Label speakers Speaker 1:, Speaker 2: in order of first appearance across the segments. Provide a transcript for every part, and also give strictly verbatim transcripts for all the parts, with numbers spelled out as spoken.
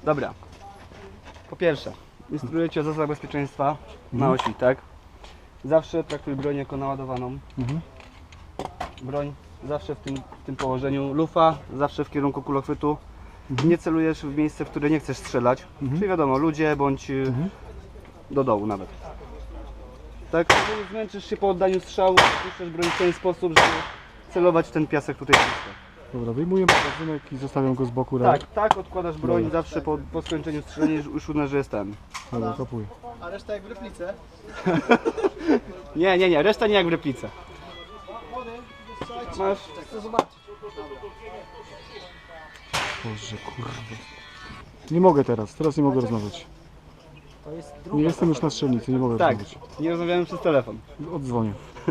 Speaker 1: Dobra. Po pierwsze, instruuję Cię o zasadach bezpieczeństwa na osi, tak? Zawsze traktuj broń jako naładowaną.
Speaker 2: Mhm.
Speaker 1: Broń zawsze w tym, w tym położeniu. Lufa zawsze w kierunku kulochwytu.
Speaker 2: Mhm.
Speaker 1: Nie celujesz w miejsce, w które nie chcesz strzelać.
Speaker 2: Mhm.
Speaker 1: Czyli wiadomo, ludzie bądź
Speaker 2: Mhm.
Speaker 1: do dołu nawet. Tak? Jeżeli zmęczysz się po oddaniu strzału, puszczasz broń w ten sposób, żeby celować w ten piasek tutaj blisko.
Speaker 2: Dobra, wyjmuję magazynek i zostawiam go z boku. Tak,
Speaker 1: Tak, tak, odkładasz broń
Speaker 2: Dobra.
Speaker 1: zawsze po, po skończeniu strzelania, już uznasz, że jest ten.
Speaker 2: Dobra, kapuję.
Speaker 3: A reszta jak w replice?
Speaker 1: Nie, nie, nie, reszta nie jak w replice. Masz.
Speaker 3: Chcę zobaczyć.
Speaker 2: Boże, kurde. Nie mogę teraz, teraz nie mogę rozmawiać.
Speaker 3: To jest
Speaker 2: Nie jestem już na strzelnicy, nie mogę
Speaker 1: Tak,
Speaker 2: rozmawiać.
Speaker 1: nie rozmawiamy przez telefon.
Speaker 2: Oddzwonię.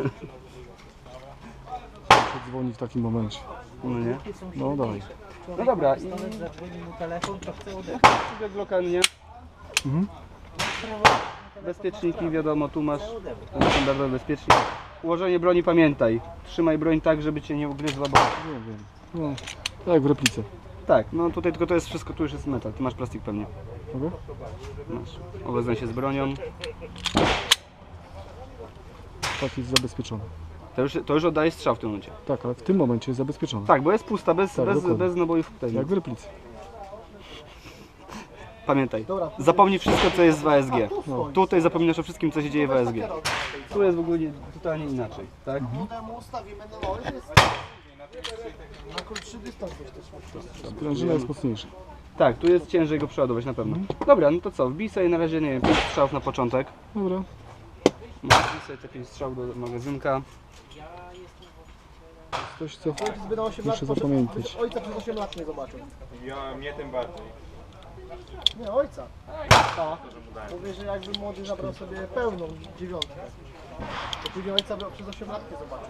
Speaker 2: Muszę dzwonić w takim momencie.
Speaker 1: No nie?
Speaker 2: No dawaj.
Speaker 1: No dobra, i
Speaker 3: Zadzwoni mu telefon, to chce odebrać.
Speaker 1: druga Glocka, nie?
Speaker 2: Mhm.
Speaker 1: Bezpieczniki, wiadomo, tu masz ten standardowy bezpiecznik. Ułożenie broni pamiętaj. Trzymaj broń tak, żeby cię nie ugryzła, bo...
Speaker 2: Nie wiem. No, tak jak w replice.
Speaker 1: Tak, no tutaj tylko to jest wszystko, tu już jest metal. Ty masz plastik pewnie.
Speaker 2: Mogę?
Speaker 1: Masz. Obeznaj się z bronią.
Speaker 2: Tak, jest zabezpieczony.
Speaker 1: To już, to już oddaje strzał w tym momencie.
Speaker 2: Tak, ale w tym momencie jest zabezpieczony.
Speaker 1: Tak, bo jest pusta, bez,
Speaker 2: Tak,
Speaker 1: bez,
Speaker 2: dokładnie.
Speaker 1: bez nabojów tutaj.
Speaker 2: Jak w replice.
Speaker 1: Pamiętaj,
Speaker 3: Dobra.
Speaker 1: zapomnij wszystko, co jest w A S G.
Speaker 2: No.
Speaker 1: Tutaj zapominasz o wszystkim, co się dzieje w A S G. Tu jest w ogóle nie- totalnie inaczej, tak?
Speaker 3: Temu ustawimy na nowy, jest na krótszy dystans też też
Speaker 2: Sprężyna jest mocniejsza.
Speaker 1: Tak, tu jest ciężej go przeładować na pewno. Dobra, no to co, wbij sobie na razie, nie wiem, pięć strzałów na początek.
Speaker 2: Dobra.
Speaker 1: Wbij sobie te pięć strzałów do magazynka.
Speaker 2: Coś co
Speaker 3: Ojciec by na osiem lat
Speaker 2: muszę
Speaker 3: poszedł-
Speaker 2: zapamiętać.
Speaker 3: Ojca przez osiem lat nie zobaczył.
Speaker 4: Ja, mnie tym bardziej.
Speaker 3: Nie, ojca. Tak. Mówię, że jakby młody zabrał sobie pełną dziewiątkę. To później ojca by przez osiem lat nie zobaczył.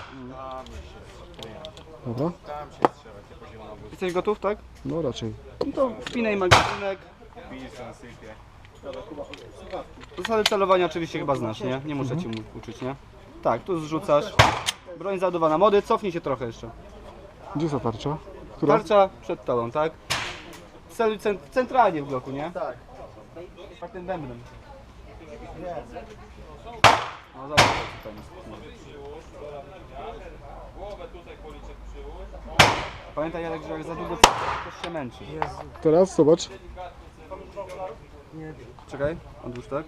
Speaker 2: Dobra?
Speaker 4: Tam się strzelać, ja poziom na wóz.
Speaker 1: Jesteś gotów, tak?
Speaker 2: No raczej.
Speaker 1: No to wpinaj magazynek.
Speaker 4: Pilson sypie.
Speaker 1: Zasady celowania oczywiście chyba znasz, nie? Nie muszę Ci mu- uczyć, nie? Tak, tu zrzucasz. Broń załadowana. Młody, cofnij się trochę jeszcze.
Speaker 2: Gdzie jest ta tarcza? Która?
Speaker 1: Tarcza przed tobą, tak? Celuj cent centralnie w bloku, nie?
Speaker 3: Tak.
Speaker 1: Tak tym bębnem.
Speaker 3: Nie.
Speaker 1: No zobacz, co tam jest. Pamiętaj, Jarek, że jak za długo to się męczy.
Speaker 2: Teraz zobacz.
Speaker 1: Czekaj, odłóż tak.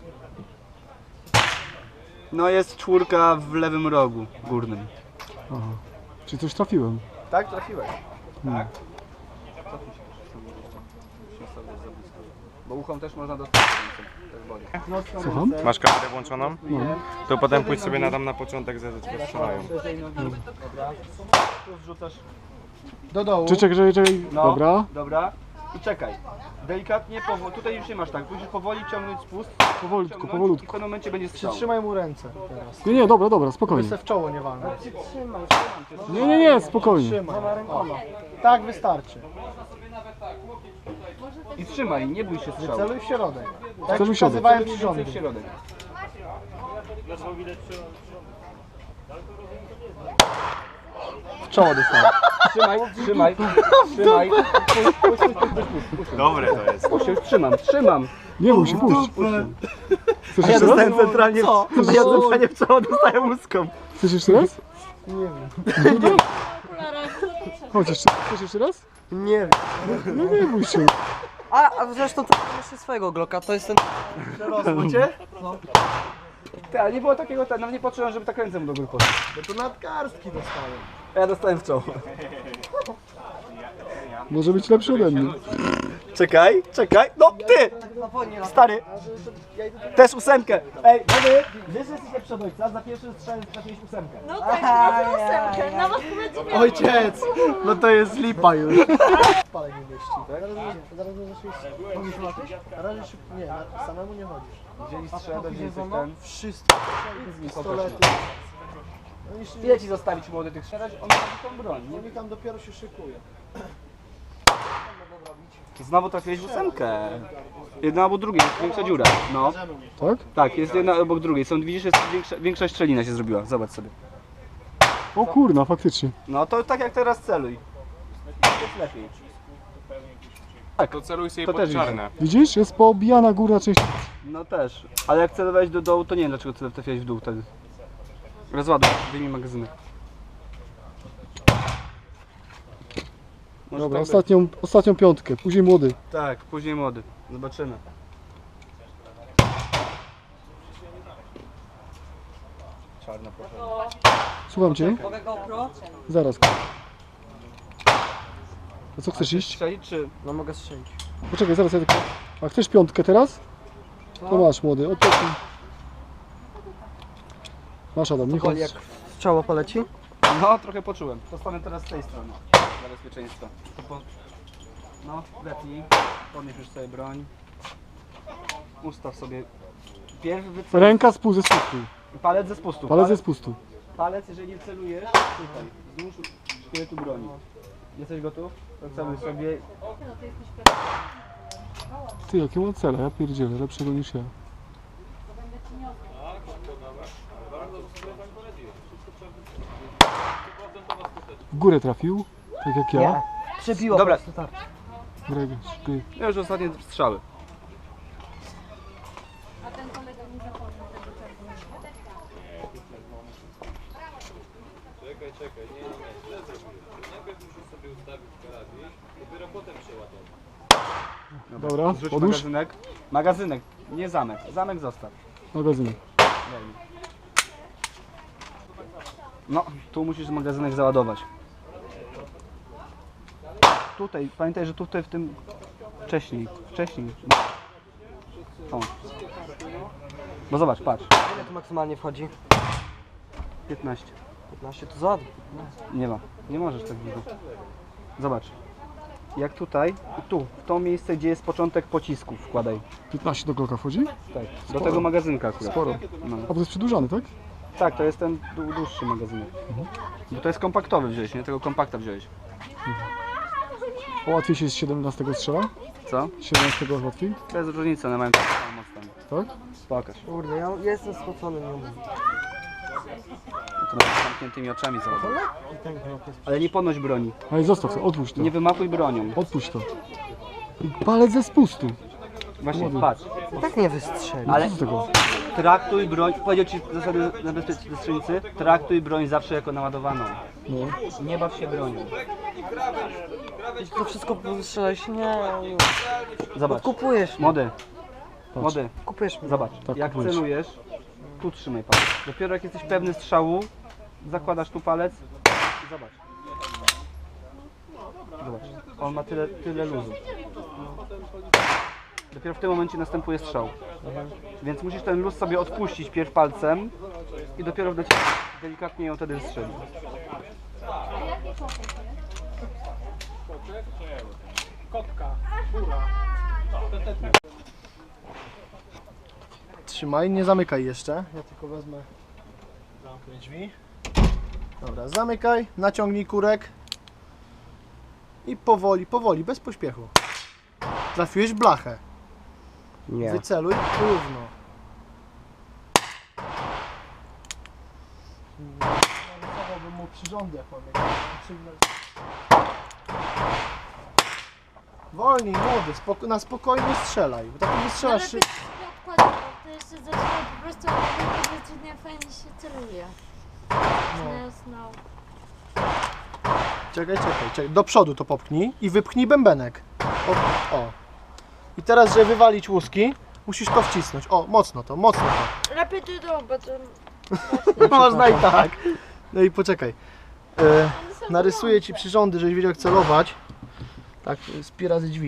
Speaker 1: No jest czwórka w lewym rogu górnym.
Speaker 2: Aha. Czy coś trafiłem?
Speaker 1: Tak, trafiłeś.
Speaker 2: Hmm.
Speaker 1: Bo uchom też można dostać. Tak boli.
Speaker 2: Słucham?
Speaker 4: Masz kamerę włączoną?
Speaker 2: No.
Speaker 4: To potem pójdź sobie na tam na początek, zaraz cię strzelają.
Speaker 1: Dobra. Tu zrzucasz.
Speaker 3: Do dołu.
Speaker 2: Czy czekaj, czekaj, czekaj.
Speaker 1: No,
Speaker 2: Dobra.
Speaker 1: Dobra. I czekaj. Delikatnie, powoli. Tutaj już nie masz tak. Musisz powoli ciągnąć spust.
Speaker 2: Powolutku,
Speaker 1: ciągnąć I w
Speaker 2: powolutku.
Speaker 1: pewnym momencie będzie strzał.
Speaker 3: Przytrzymaj mu ręce teraz.
Speaker 2: Nie, nie, dobra, dobra,
Speaker 3: By
Speaker 2: spokojnie.
Speaker 3: se w czoło nie walnął.
Speaker 2: Nie, nie, nie, spokojnie.
Speaker 3: Trzymaj. O. Tak wystarczy.
Speaker 1: I trzymaj, nie bój się strzału.
Speaker 3: Celuj w środek. Tak
Speaker 2: Celuj w środek.
Speaker 3: wskazywałem
Speaker 1: Celuj
Speaker 3: ci rządy.
Speaker 1: w środek. W czoło dostałem. Trzymaj, trzymaj, trzymaj. Puść, puść, puść, puść, puść, puść.
Speaker 4: Dobre to jest.
Speaker 1: Puść, już trzymam, trzymam.
Speaker 2: Nie bój się, puść. Chcesz
Speaker 1: A ja
Speaker 2: jeszcze raz?
Speaker 1: dostałem centralnie,
Speaker 3: Co?
Speaker 1: w, ja centralnie w czoło dostaję łuską.
Speaker 2: Chcesz jeszcze raz?
Speaker 3: Nie wiem.
Speaker 2: Chodź jeszcze. Chcesz jeszcze raz?
Speaker 3: Nie wiem.
Speaker 2: No nie bój się.
Speaker 5: A, a zresztą to mam jeszcze swojego Glocka, to jest ten...
Speaker 1: Przerosło cię? No. Ty, ale nie było takiego, nawet nie poczułem, żeby tak ręce mu do góry poszły.
Speaker 3: Bo to nadgarstki dostałem.
Speaker 1: A ja dostałem w czoło.
Speaker 2: Może być lepszy ode mnie.
Speaker 1: Czekaj, czekaj, no ty! Stary! Też ósemkę! Ej, młody, wiesz, że jesteś lepszy od ojca? Za pierwszy strzał trafiłeś ósemkę.
Speaker 6: No tak, na ósemkę, na was powiedzmy.
Speaker 3: Ojciec! No to jest lipa już. Spalaj nie mieści. Zaraz zaraz zaczniesz. Chodzisz latać? Na razie szybko. Nie, na, samemu nie chodzisz.
Speaker 1: Wzięli strzelbę, wzięli coś ten.
Speaker 3: Wszystko. Pistolety. No i się-
Speaker 1: Ile ci zostawić młody tych strzelać? On ma tą broń.
Speaker 3: Oni tam dopiero się szykuje.
Speaker 1: Znowu trafiłeś w ósemkę. Jedna albo druga, jest większa dziura. No,
Speaker 2: Tak?
Speaker 1: tak, jest jedna obok drugiej. Są, widzisz, jest większa, większa szczelina się zrobiła. Zobacz sobie.
Speaker 2: O kurna, faktycznie.
Speaker 1: No to tak jak teraz celuj. To jest lepiej.
Speaker 4: To celuj sobie
Speaker 1: To
Speaker 4: pod
Speaker 1: też widzę.
Speaker 4: czarne.
Speaker 2: Widzisz? Jest poobijana górna część.
Speaker 1: No też. Ale jak celowałeś do dołu, to nie wiem dlaczego cel trafiałeś w dół wtedy. Rozładuj, wyjmij magazynek. Może
Speaker 2: Dobra,
Speaker 1: tak być.
Speaker 2: ostatnią, ostatnią piątkę, później młody.
Speaker 1: Tak, później młody. Zobaczymy. Czarna proszę.
Speaker 2: Słucham cię?
Speaker 5: Mogę GoPro?
Speaker 2: Zaraz. A co chcesz iść?
Speaker 1: Strzelić czy...
Speaker 5: No mogę strzelić.
Speaker 2: Poczekaj, zaraz ja tylko... A chcesz piątkę teraz? To masz młody, odpocznij. Masz Adam, nie chodź.
Speaker 5: Boli jak strzała poleci?
Speaker 1: No, trochę poczułem. Postanę teraz z tej strony. Dla bezpieczeństwa. To po... No, lepiej. Podnieś już sobie broń. Ustaw sobie... Pierw wyceluj.
Speaker 2: Ręka z pół ze spustu.
Speaker 1: Palec ze spustu.
Speaker 2: Palec ze spustu.
Speaker 1: Palec, jeżeli nie celujesz, tutaj, wzdłuż szkieletu broni. Jesteś gotów? To celuj sobie.
Speaker 2: Ty, jakie mam cele, ja pierdzielę, lepszego niż ja. W górę trafił, tak jak ja.
Speaker 5: Przebiło
Speaker 1: Dobra.
Speaker 5: po prostu tak.
Speaker 2: Greg, ty.
Speaker 1: Ja już ostatnie strzały.
Speaker 6: A ten kolega nie zapomniał tego czerwonego.
Speaker 2: Dobra,
Speaker 1: Zrzuć
Speaker 2: odłóż.
Speaker 1: magazynek. Magazynek, nie zamek. Zamek zostaw.
Speaker 2: Magazynek.
Speaker 1: No, tu musisz magazynek załadować. Tutaj, pamiętaj, że tutaj w tym... Wcześniej, wcześniej. O. Bo zobacz, patrz.
Speaker 5: Ile tu maksymalnie wchodzi?
Speaker 1: piętnaście.
Speaker 5: piętnaście to za.
Speaker 1: Nie ma. Nie możesz tak dużo. Zobacz. Jak tutaj i tu, w to miejsce, gdzie jest początek pocisku wkładaj.
Speaker 2: piętnaście do Glocka wchodzi?
Speaker 1: Tak. Do tego magazynka akurat.
Speaker 2: Sporo.
Speaker 1: No.
Speaker 2: A bo to jest przedłużany, tak?
Speaker 1: Tak, to jest ten dłu- dłuższy magazynek. Bo to jest kompaktowy wziąłeś, nie? Tego kompakta wziąłeś.
Speaker 2: A łatwiej się z siedemnastego strzela?
Speaker 1: Co?
Speaker 2: Z siedemnastego łatwiej?
Speaker 1: Bez różnicy, one mają taką samą moc tam.
Speaker 2: Tak?
Speaker 1: Pokaż.
Speaker 5: Kurde, ja jestem spocony, nie umiem.
Speaker 1: No to nawet z zamkniętymi oczami załaduj. Ale nie podnoś broni.
Speaker 2: Ale zostaw to, odpuść to.
Speaker 1: Nie wymachuj bronią.
Speaker 2: Odpuść to. I palec ze spustu.
Speaker 1: Właśnie, patrz.
Speaker 5: I tak nie wystrzeli.
Speaker 1: Ale
Speaker 2: Co z tego?
Speaker 1: traktuj broń, powiedział ci zasady na bezpieczeństwie strzelnicy, traktuj broń zawsze jako naładowaną.
Speaker 2: No.
Speaker 1: Nie baw się bronią.
Speaker 5: Jeśli to wszystko wystrzelałeś, nie.
Speaker 1: Zobacz.
Speaker 5: Kupujesz mnie.
Speaker 1: Młody. Młody.
Speaker 5: Kupujesz mnie.
Speaker 1: Zobacz.
Speaker 2: Tak,
Speaker 1: Jak
Speaker 2: kupujesz.
Speaker 1: celujesz, tu trzymaj palec. Dopiero jak jesteś pewny strzału, zakładasz tu palec i zobacz. Zobacz. On ma tyle, tyle luzu. Dopiero w tym momencie następuje strzał. Więc musisz ten luz sobie odpuścić pierw palcem i dopiero wdać delikatnie ją wtedy strzelić.
Speaker 3: Trzymaj, nie zamykaj jeszcze. Ja tylko wezmę zamknę drzwi. Dobra, zamykaj, naciągnij kurek. I powoli, powoli, bez pośpiechu. Trafiłeś w blachę.
Speaker 5: Nie.
Speaker 3: Wyceluj równo. Narysowałbym mu przyrządy, jak mam jakieś potrzebne. Wolniej, młody, spoko na spokojnie strzelaj. Bo tak nie
Speaker 6: Ale
Speaker 3: strzelasz
Speaker 6: byś
Speaker 3: szy...
Speaker 6: nie odkładał, to jeszcze zaczyna po prostu zaczyna fajnie się celuje. No. Znał.
Speaker 3: Czekaj, czekaj, czekaj. Do przodu to popchnij i wypchnij bębenek. O, o. I teraz, żeby wywalić łuski, musisz to wcisnąć. O, mocno to, mocno to.
Speaker 6: Lepiej ty do, bo to...
Speaker 3: Można i tak. No i poczekaj. E, narysuję ci przyrządy, żebyś wiedział jak celować. Tak, z pi razy drzwi.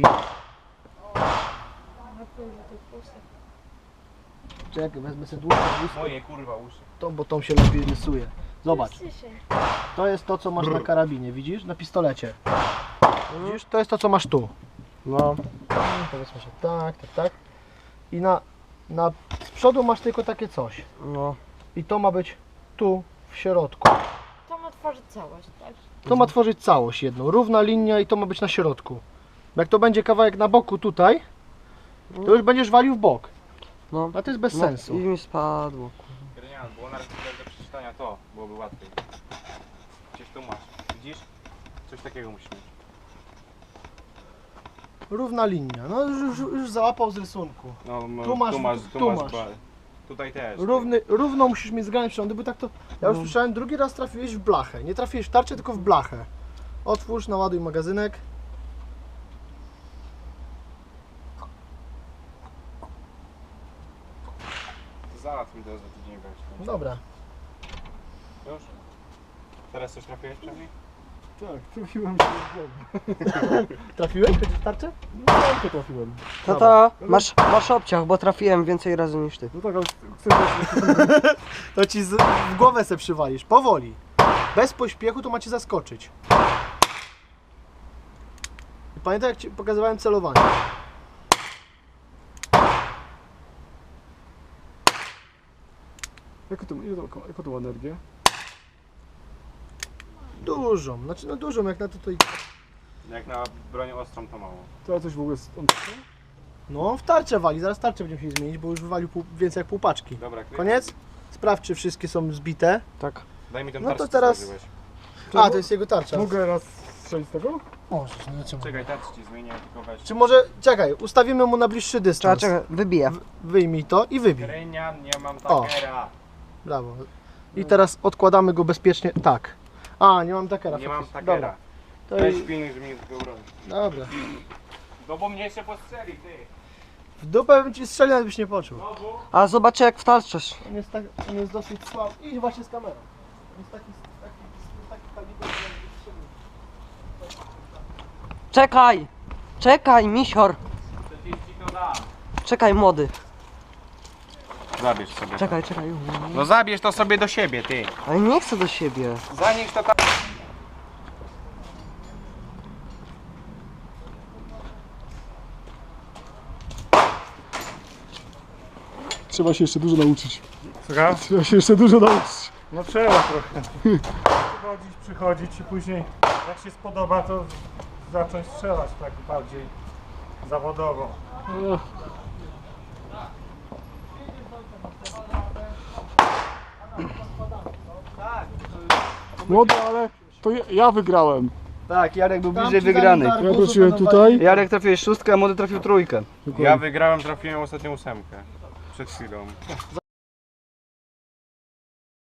Speaker 3: Czekaj, wezmę sobie dłuższe łuski,
Speaker 4: Moje kurwa uszy.
Speaker 3: to, bo tą się lepiej rysuje. Zobacz,
Speaker 6: Ciszej.
Speaker 3: to jest to, co masz na karabinie, widzisz? Na pistolecie. Widzisz? To jest to, co masz tu.
Speaker 5: No.
Speaker 3: Powiedzmy, że tak, tak, tak. I na, na z przodu masz tylko takie coś.
Speaker 5: No.
Speaker 3: I to ma być tu, w środku.
Speaker 6: To ma tworzyć całość, tak?
Speaker 3: To ma tworzyć całość jedną, równa linia i to ma być na środku. Bo jak to będzie kawałek na boku tutaj, to już będziesz walił w bok.
Speaker 5: No.
Speaker 3: A to jest bez
Speaker 5: No,
Speaker 3: sensu.
Speaker 5: I mi spadło.
Speaker 4: Grenian, było na razie do przeczytania to, byłoby łatwiej. Gdzieś tu masz, widzisz? Coś takiego musisz mieć.
Speaker 3: Równa linia. No już, już, już załapał z rysunku.
Speaker 4: No, m-
Speaker 3: Tu masz-
Speaker 4: tu masz,
Speaker 3: tu
Speaker 4: tu masz,
Speaker 3: masz.
Speaker 4: ba- tutaj też.
Speaker 3: Równy, równo musisz mieć zgrane przyrządy, bo tak to... Ja już słyszałem, drugi raz trafiłeś w blachę. Nie trafiłeś w tarczę, tylko w blachę. Otwórz, naładuj magazynek.
Speaker 4: Załatw mi to za tydzień weź.
Speaker 3: Dobra.
Speaker 4: Już? Teraz coś trafiłeś przynajmniej?
Speaker 2: Tak, trafiłem się w głowę.
Speaker 3: Trafiłeś? Chociaż w tarczę?
Speaker 2: No tak, to trafiłem.
Speaker 5: Tata, masz, masz obciach, bo trafiłem więcej razy niż ty.
Speaker 2: No tak, ale chcę
Speaker 3: To ci z, w głowę se przywalisz. Powoli. Bez pośpiechu to macie zaskoczyć. I pamiętaj, jak ci pokazywałem celowanie.
Speaker 2: Jaką to, ile to, jaką to ma energię?
Speaker 3: Dużą. Znaczy, no dużą, jak na to tutaj...
Speaker 4: Jak na broń ostrą to mało.
Speaker 2: To coś w ogóle... z- on-
Speaker 3: No, w tarczę wali. Zaraz tarczę będziemy się zmienić, bo już wywalił pół, więcej jak pół paczki.
Speaker 4: Dobra, kryj.
Speaker 3: Koniec? Sprawdź, czy wszystkie są zbite.
Speaker 5: Tak.
Speaker 4: Daj mi ten
Speaker 3: No to
Speaker 4: tarczę, co
Speaker 3: teraz-
Speaker 4: założyłeś.
Speaker 3: A, to jest jego tarcza.
Speaker 2: Mogę raz strzelić z tego?
Speaker 3: Możesz, no czemu?
Speaker 4: Czekaj, tarczę ci zmienię, tylko weź.
Speaker 3: Czy może, czekaj, ustawimy mu na bliższy
Speaker 5: Czekaj,
Speaker 3: dystans.
Speaker 5: czekaj, wybiję.
Speaker 3: Wyjmij to i wybij.
Speaker 4: Krynian, nie mam
Speaker 3: O.
Speaker 4: takera.
Speaker 3: Brawo. I teraz odkładamy go bezpiecznie. Tak. A, nie mam takera.
Speaker 4: Nie mam
Speaker 3: faktycznie.
Speaker 4: takera.
Speaker 3: Dobra. To
Speaker 4: Weź
Speaker 3: i...
Speaker 4: pilnuj, żeby mnie tylko bronił.
Speaker 3: Dobra.
Speaker 4: No bo mnie jeszcze postrzeli, ty.
Speaker 3: W dupę bym ci strzelił, ale byś nie poczuł.
Speaker 4: Znowu?
Speaker 5: A zobaczę jak wtarczysz.
Speaker 3: On jest, tak, on jest dosyć słaby. Idź właśnie z kamerą. On jest taki, taki, taki kaliber, że jakby strzelił.
Speaker 5: Czekaj! Czekaj, misior!
Speaker 4: Przecież ci to dam.
Speaker 5: Czekaj, młody.
Speaker 4: Zabierz sobie.
Speaker 5: Czekaj, czekaj.
Speaker 4: No zabierz to sobie do siebie, ty.
Speaker 5: Ale nie chcę do siebie.
Speaker 4: Zanieś to tam.
Speaker 2: Trzeba się jeszcze dużo nauczyć.
Speaker 7: Słucham?
Speaker 2: Trzeba się jeszcze dużo nauczyć.
Speaker 7: No trzeba trochę. Przychodzić, przychodzić i później jak się spodoba, to zacząć strzelać tak bardziej zawodowo.
Speaker 2: No. Młody, ale to ja, ja wygrałem.
Speaker 1: Tak, Jarek był
Speaker 3: Tam
Speaker 1: bliżej
Speaker 3: ci zanim
Speaker 1: wygranej.
Speaker 3: dar-
Speaker 2: Ja wróciłem tutaj.
Speaker 1: Jarek trafiłeś szóstkę, a młody trafił trójkę.
Speaker 4: Ja wygrałem, trafiłem ostatnią ósemkę. Przed chwilą.